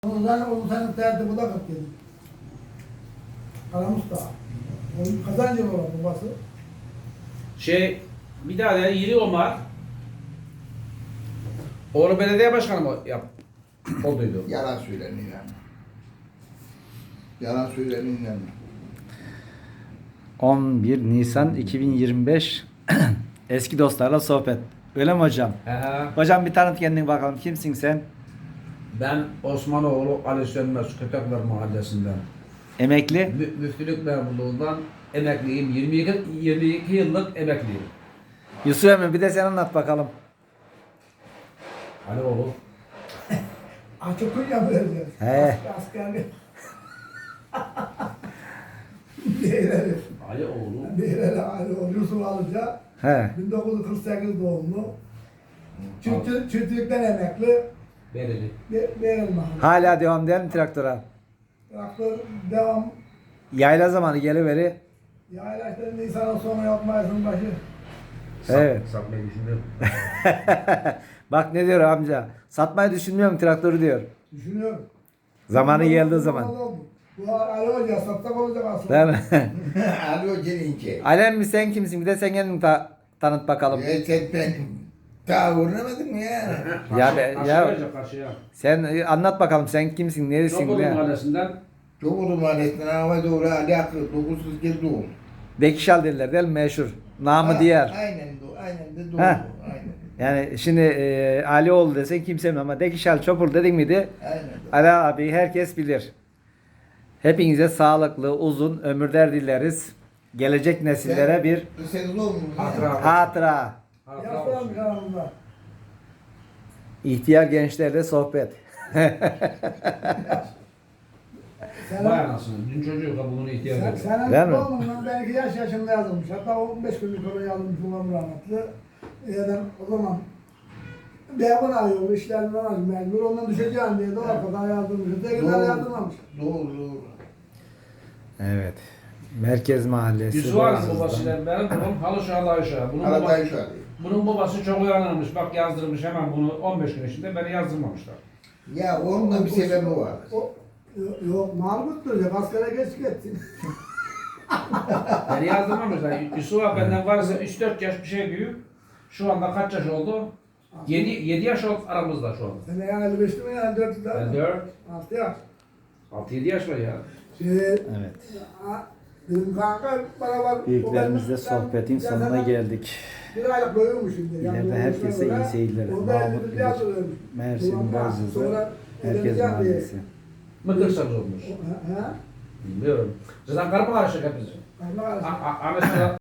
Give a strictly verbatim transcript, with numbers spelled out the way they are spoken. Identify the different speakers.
Speaker 1: Ben onu senin terdi bu da kırk yedi. Karamus da. Onun kazancı mı var babası?
Speaker 2: Şey, bir daha da Yiri Omar. Oğlu belediye başkanı mı yap? Olduydu.
Speaker 3: Yalan söyleniyor yani. Yalan söyleniyor yani.
Speaker 4: on bir Nisan iki bin yirmi beş eski dostlarla sohbet. Öyle mi hocam?
Speaker 2: He he.
Speaker 4: Hocam bir tanıt kendini bakalım. Kimsin sen?
Speaker 2: Ben Osmanoğlu Ali Sönmez Köpekler Mahallesi'nden.
Speaker 4: Emekli.
Speaker 2: Mü müftülük memurluğundan emekliyim. yirmi iki, yirmi iki yıllık emekliyim.
Speaker 4: Yusuf Emre bir de sen anlat bakalım.
Speaker 2: Ali oğlu.
Speaker 1: Açıklık yapıyoruz.
Speaker 4: He.
Speaker 1: Askerlik. Değerleri.
Speaker 2: Ali oğlu.
Speaker 1: Değerleri ayrı o Yusuf Alıca.
Speaker 4: He.
Speaker 1: bin dokuz yüz kırk sekiz doğumlu. Çiftçi, çiftçilikten emekli.
Speaker 2: Bereli.
Speaker 1: Verilme.
Speaker 4: Hala devam değil mi traktöre?
Speaker 1: Traktör devam.
Speaker 4: Yayla zamanı geliveri.
Speaker 1: Yayla işte Nisan'ın sonu yapmayasın başı.
Speaker 4: Evet.
Speaker 2: Satmayı düşünüyorum.
Speaker 4: Bak ne diyor amca. Satmayı düşünmüyorum traktörü diyor.
Speaker 1: Düşünüyorum.
Speaker 4: Zamanı geldiği zaman.
Speaker 1: Bu Ali Hoca satsak olacak aslında.
Speaker 4: Değil mi?
Speaker 3: Alo gelince.
Speaker 4: Alem mi sen kimsin? Bir de sen kendini ta- tanıt bakalım.
Speaker 3: Ya sen ben daha uğramadım ya.
Speaker 4: Ya be-
Speaker 2: Karşıya
Speaker 4: ya-
Speaker 2: verecek, karşıya.
Speaker 4: Sen e, anlat bakalım sen kimsin? Neresin?
Speaker 2: Çokulu
Speaker 4: Ne?
Speaker 2: Mahallesi'nden
Speaker 3: Çok oldu mahallesinden hava doğru Ali Akıl dokuz yüz kez doğum.
Speaker 4: Bekişal derler değil mi? Meşhur. Namı
Speaker 3: Ha,
Speaker 4: diğer.
Speaker 3: Aynen doğru. Aynen de doğru.
Speaker 4: Ha.
Speaker 3: Aynen.
Speaker 4: Yani şimdi e, Alioğlu desen kimse bilmez ama Dekişal Çopur dedin miydi?
Speaker 3: Aynen doğru.
Speaker 4: Ali abi herkes bilir. Hepinize sağlıklı, uzun ömürler dileriz. Gelecek nesillere bir
Speaker 3: Sen doğum mu?
Speaker 2: Hatıra.
Speaker 4: hatıra.
Speaker 2: Hatıra
Speaker 1: Yaslanmış
Speaker 2: olsun.
Speaker 1: aramızda.
Speaker 4: İhtiyar gençlerle sohbet.
Speaker 1: Sen,
Speaker 2: Vay anasını. Dün çocuğu da bunun ihtiyacı
Speaker 1: sen,
Speaker 2: yok.
Speaker 1: senin
Speaker 4: Değil mi?
Speaker 1: doğumundan ben iki yaş yaşında yazılmış. Hatta on beş günlük sonra yazılmış babam rahmetli. Yani o zaman Beyabın arıyor, işlerinden arıyor, mecbur ondan düşeceğim diye de o kadar yazdırmış. Ötekiler yazdırmamış.
Speaker 3: Doğru doğru.
Speaker 4: Evet. Merkez Mahallesi.
Speaker 2: Yusuf Han'ın
Speaker 4: Boğazız'dan.
Speaker 2: babasıyla benim babam halı şahlı aşağı. Bunun,
Speaker 3: Arada
Speaker 2: babası,
Speaker 3: şu an.
Speaker 2: bunun babası çok uyanırmış. Bak yazdırmış hemen bunu on beş gün içinde beni yazdırmamışlar.
Speaker 3: Ya onun da bir sebebi var.
Speaker 1: O, yok, yok Mahmut duracak, askere geç gitsin.
Speaker 2: Beni yazdırmamışlar. Yusuf abi benden varsa üç dört yaş bir şey büyük. Şu anda kaç yaş oldu? yedi, yedi yaş oldu aramızda şu anda.
Speaker 1: Sen yani elli beşli mi yani dört
Speaker 2: Ben
Speaker 1: yıl
Speaker 2: dört,
Speaker 1: altı yaş.
Speaker 2: altı yedi yaş var ya.
Speaker 1: Şey,
Speaker 4: Evet.
Speaker 1: ha, benim kanka bana var.
Speaker 4: Büyüklerimizle
Speaker 1: o ben-
Speaker 4: sohbetin
Speaker 1: ben-
Speaker 4: sonuna
Speaker 1: ben-
Speaker 4: geldik.
Speaker 1: Bir aylık doyurmuş şimdi.
Speaker 4: Yine de
Speaker 1: Yani
Speaker 4: herkese iyi seyirler.
Speaker 1: O
Speaker 4: Mahmut
Speaker 1: belli bir
Speaker 4: bilir.
Speaker 1: fiyat ödemiş.
Speaker 4: Mersin,
Speaker 1: Sonra-
Speaker 4: Boğazız'ı,
Speaker 1: sonra
Speaker 4: Merkez
Speaker 1: edeceğim diye.
Speaker 4: Mahallesi.
Speaker 2: Mıkırsanız olmuş.
Speaker 1: Ha?
Speaker 2: Bilmiyorum. Zaten karma karışık hepsi.
Speaker 1: Karnı karışık.
Speaker 2: A- a- Ahmet Sedat